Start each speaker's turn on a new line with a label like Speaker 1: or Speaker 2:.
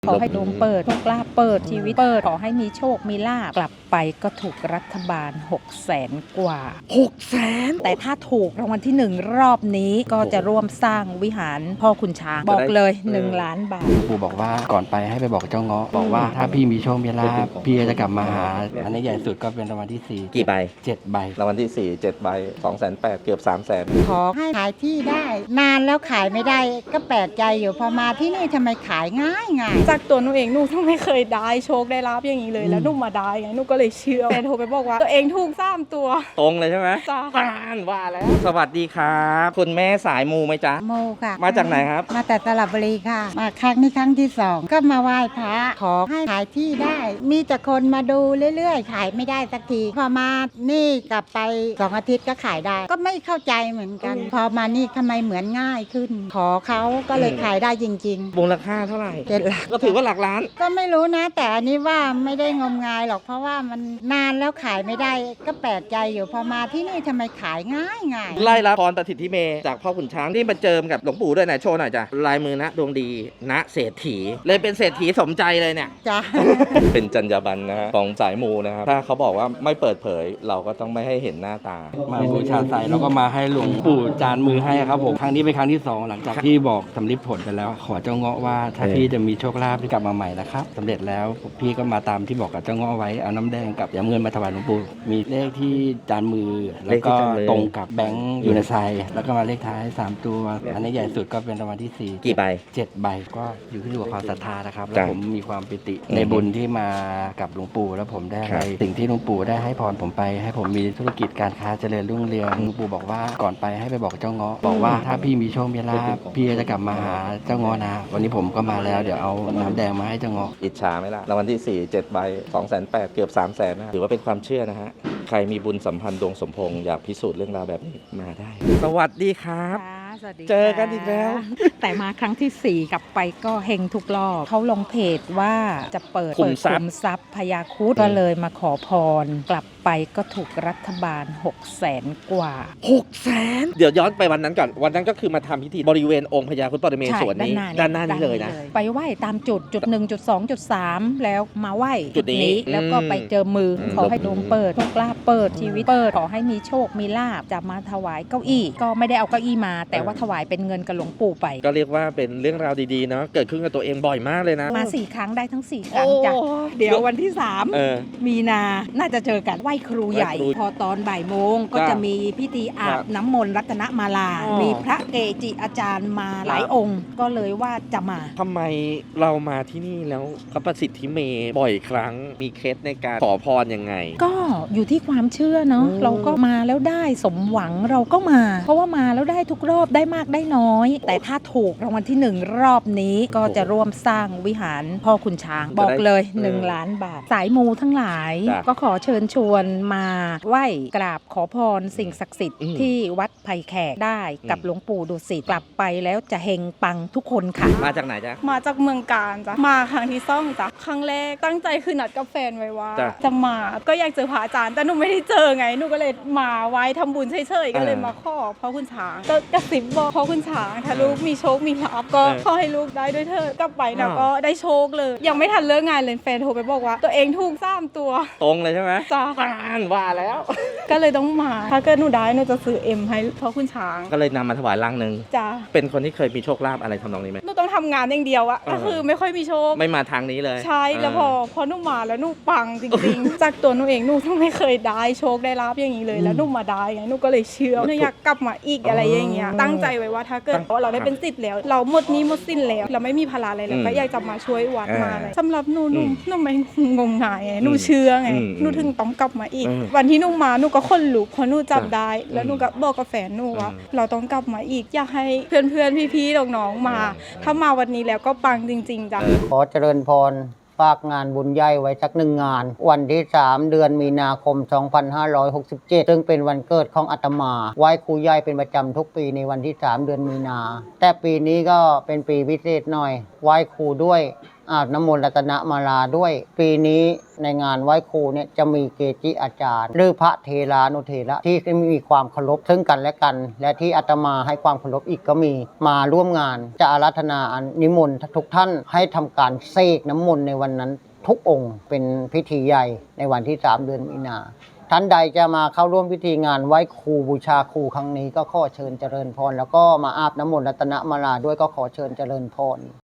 Speaker 1: ขอให้ดวงเปิดโชคลาภเปิดชีวิตเปิดขอให้มีโชคมีลาภกลับไปก็ถูกรัฐบาล600,000 กว่า
Speaker 2: 600,000
Speaker 1: แต่ถ้าถูกรางวัลที่1รอบนี้ก็จะร่วมสร้างวิหารพ่อคุณช้างบอกเลย1 ล้านบาท
Speaker 3: ปู่บอกว่าก่อนไปให้ไปบอกเจ้าเงาะบอกว่าถ้าพี่มีโชคมีลาภพี่จะกลับมาหาอันนี้ใหญ่สุดก็เป็นรางวัลที่4
Speaker 2: กี่ใบ
Speaker 3: 7 ใบ
Speaker 2: รางวัลที่4 7 ใบ 280,000เกือบ300,000
Speaker 4: ขอให้ขายที่ได้นานแล้วขายไม่ได้ก็แปลกใจอยู่พอมาที่นี่ทำไมขายง่าย
Speaker 5: จากตัวหนูเองหนูไม่เคยได้โชคได้ลาบอย่างนี้เลยแล้วหนูมาได้ไงหนูก็เลยเชื่อแฟนโทรไปบอกว่าตัวเองถูก3 ตัว
Speaker 2: ตรงเลยใช่ไหม
Speaker 5: จ้า
Speaker 2: ว่าแล้วสวัสดีครับคุณแม่สายมูไหมจ๊ะ
Speaker 4: โมค่ะ
Speaker 2: มาจากไหนครับ
Speaker 4: มาแต่สระบุรีค่ะมาครั้งนี้ครั้งที่2ก็มาไหว้พระขอให้ขายที่ได้มีแต่คนมาดูเรื่อยๆขายไม่ได้สักทีพอมานี่กลับไป2 อาทิตย์ก็ขายได้ก็ไม่เข้าใจเหมือนกันพอมานี่ทำไมเหมือนง่ายขึ้นขอเขาก็เลยขายได้จริงๆ
Speaker 2: มูลค่าเท่าไหร่
Speaker 4: 7 หลัก
Speaker 2: ก็ถือว่าหลักล้าน
Speaker 4: ก็ไม่รู้นะแต่อันนี้ว่าไม่ได้งมงายหรอกเพราะว่ามันนานแล้วขายไม่ได้ก็แปลกใจอยู่พอมาที่นี่ทำไมขายง่าย
Speaker 2: ไล่รับพรประสิทธิเมจากพ่อขุนช้างที่มาเจิมกับหลวงปู่ด้วยไหนโชว์หน่อยจ้ะลายมือนะดวงดีณเศรษฐีเลยเป็นเศรษฐีสมใจเลยเนี่ย
Speaker 4: จ้ะ
Speaker 2: เป็นจรรยาบรรณนะฮะของสายมูนะครับถ้าเขาบอกว่าไม่เปิดเผยเราก็ต้องไม่ให้เห็นหน้าตา
Speaker 3: มาบูชาใส่แล้วก็มาให้หลวงปู่จานมือให้ครับผมครั้งนี้เป็นครั้งที่2หลังจากที่บอกสำลิดผลไปแล้วขอเจ้าเงาะว่าถ้าพี่จะมีโชคลาภที่กลับมาใหม่นะครับสำเร็จแล้วพี่ก็มาตามที่บอกกับเจ้าเงาะไว้เอาน้ำแดงกับยาเงินมาถวายหลวงปู่มีเลขที่จานมือแล้วก็ตรงกับแบงค์อยู่ในไซแล้วก็มาเลขท้าย3 ตัวอันนี้ใหญ่สุดก็เป็นรางวัลที่4
Speaker 2: กี่ใบ
Speaker 3: 7 ใบก็อยู่ที่ความศรัทธานะครับแล้วผมมีความปิติในบุญที่มากับหลวงปู่แล้วผมได้อะไรสิ่งที่หลวงปู่ได้ให้พรผมไปให้ผมมีธุรกิจการค้าเจริญรุ่งเรืองหลวงปู่บอกว่าก่อนไปให้ไปบอกเจ้าเงาะบอกว่าถ้าพี่มีโชคมีลาภพี่จะกลับมาหาเจ้าเงาะนะวันนี้ผมก็มาแล้วเดี๋ยวเอาน้ำแดงมาให้เจ้าเงาะ
Speaker 2: อิจฉาไหมล่ะรางวัลที่4 7 ใบ 280,000เกือบ300,000นะถือว่าเป็นความเชื่อนะฮะใครมีบุญสัมพันธ์ดวงสมพงษ์อยากพิสูจน์เรื่องราวแบบนี้มาได้สวัสดีครับเจอกันอีกแล้ว
Speaker 1: แต่มาครั้งที่4กลับไปก็เฮงทุกรอบเขาลงเพจว่าจะเปิดคุมทรัพย์พญาครุฑก็เลยมาขอพรกลับไปก็ถูกรัฐบาล600,000 กว่า
Speaker 2: 600,000เดี๋ยวย้อนไปวันนั้นก่อนวันนั้นก็คือมาทำพิธีบริเวณองค์พญาครุฑปรเมศวรนี้ด้านหน้านี้เลยนะ
Speaker 1: ไปไหว้ตามจุด1 จุด 2 จุด 3แล้วมาไหว้จุดนี้แล้วก็ไปเจอมือขอให้ดวงเปิดโชคลาภเปิดชีวิตเปิดขอให้มีโชคมีลาภจะมาถวายเก้าอี้ก็ไม่ได้เอาเก้าอี้มาแต่ว่าถวายเป็นเงินกับหลวงปู่ไป
Speaker 2: ก็เรียกว่าเป็นเรื่องราวดีๆเนาะเกิดขึ้นกับตัวเองบ่อยมากเลยนะ
Speaker 1: มา4 ครั้งได้ทั้ง4 ครั้งจ้ะเดี๋ยววันที่3มีนาน่าจะเจอกันไหว้ครูใหญ่พอตอนบ่ายโมงก็จะมีพิธีอาบน้ำมนต์รัตนมาลามีพระเกจิอาจารย์มาหลายองค์ก็เลยว่าจะมา
Speaker 2: ทำไมเรามาที่นี่แล้วพระประสิทธิเมบ่อยครั้งมีเคล็ดในการขอพรยังไง
Speaker 1: ก็อยู่ที่ความเชื่อเนาะเราก็มาแล้วได้สมหวังเราก็มาเพราะว่ามาแล้วได้ทุกรอบได้มากได้น้อยแต่ถ้าถูกรางวัลที่1รอบนี้ก็จะร่วมสร้างวิหารพ่อคุณช้างบอกเลย1 ล้านบาทสายมูทั้งหลายก็ขอเชิญชวนมาไหว้กราบขอพรสิ่งศักดิ์สิทธิ์ที่วัดไผ่แขกได้กับหลวงปู่ดุสิตกลับไปแล้วจะเฮงปังทุกคนค่ะ
Speaker 2: มาจากไหนจ๊ะ
Speaker 5: มาจากเมืองกาญจ้ะมาครั้งที่2จ้ะครั้งแรกตั้งใจคือนัดกับแฟนไว้ว่าจะมาก็อยากเจอพระอาจารย์แต่หนูไม่ได้เจอไงหนูก็เลยมาไว้ทำบุญเฉยๆก็เลยมาขอพ่อคุณช้างก็กระซิบบอกพ่อคุณช้างถ้าลูกมีโชคมีลาภก็ขอให้ลูกได้ด้วยเถิดกลับไปนะก็ได้โชคเลยยังไม่ทันเลิกงานเลยแฟนโทรไปบอกว่าตัวเองถูก3 ตัว
Speaker 2: ตรงเลยใช่ไหม
Speaker 5: จ้า
Speaker 2: ว่าแล้ว
Speaker 5: ก็เลยต้องมาถ้าเกิดหนูได้หนูจะซื้อให้พ่อคุณช้าง
Speaker 2: ก็เลยนำมาถวายร่างนึง
Speaker 5: จ้า
Speaker 2: เป็นคนที่เคยมีโชคลาภอะไรทำนองนี้ไหม
Speaker 5: หนูต้องทำงานอย่างเดียวอะก็คือไม่ค่อยมีโชค
Speaker 2: ไม่มาทางนี้เลย
Speaker 5: ใช่แล้วพอหนูมาแล้วหนูปังจริงๆจากตัวหนูเองหนูต้องไม่เคยได้โชคได้ลาภอย่างนี้เลยแล้วหนูมาได้ไงหนูก็เลยเชื่อหนูอยากกลับมาอีกอะไรอย่างเงี้ยตั้งใจไว้ว่าถ้าเกิดเราได้เป็นศิษย์แล้วเราหมดนี้หมดสิ้นแล้วเราไม่มีภาระอะไรแล้วก็อยากจะมาช่วยวัดมาอะไรสำหรับหนูไม่งมงายไงหนูเชื่อไงหนูถึงต้องกลับมาอีกวันที่หนูมาหนูก็คนลุกพอหนูจับได้แล้วหนูก็บอกกับแฟนหนูว่าเราต้องกลับมาอีกอยากให้เพื่อนพี่ๆน้องๆมาถ้ามาวันนี้แล้วก็ปังจริงๆจ้ะ
Speaker 4: ขอเจริญพรฝากงานบุญใหญ่ไว้สัก1 งานวันที่3 เดือนมีนาคม 2567ซึ่งเป็นวันเกิดของอาตมาไหว้ครูใหญ่เป็นประจำทุกปีในวันที่3 เดือนมีนาแต่ปีนี้ก็เป็นปีพิเศษหน่อยไหว้ครูด้วย
Speaker 6: อาบน้ำมนต์รัตนมาลาด้วย ปีนี้ในงานไหว้ครูเนี่ยจะมีเกจิอาจารย์หรือพระเทรานุเถระที่มีความเคารพซึ่งกันและกัน และที่อาตมาให้ความเคารพอีกก็มีมาร่วมงานจะอาราธนานิมนต์ทุกท่านให้ทำการเสกน้ำมนต์ในวันนั้นทุกองค์เป็นพิธีใหญ่ในวันที่ 3 เดือนมีนาท่านใดจะมาเข้าร่วมพิธีงานไหว้ครูบูชาครูครั้งนี้ก็ขอเชิญเจริญพรแล้วก็มาอาบน้ำมนต์รัตนมาลาด้วยก็ขอเชิญเจริญพร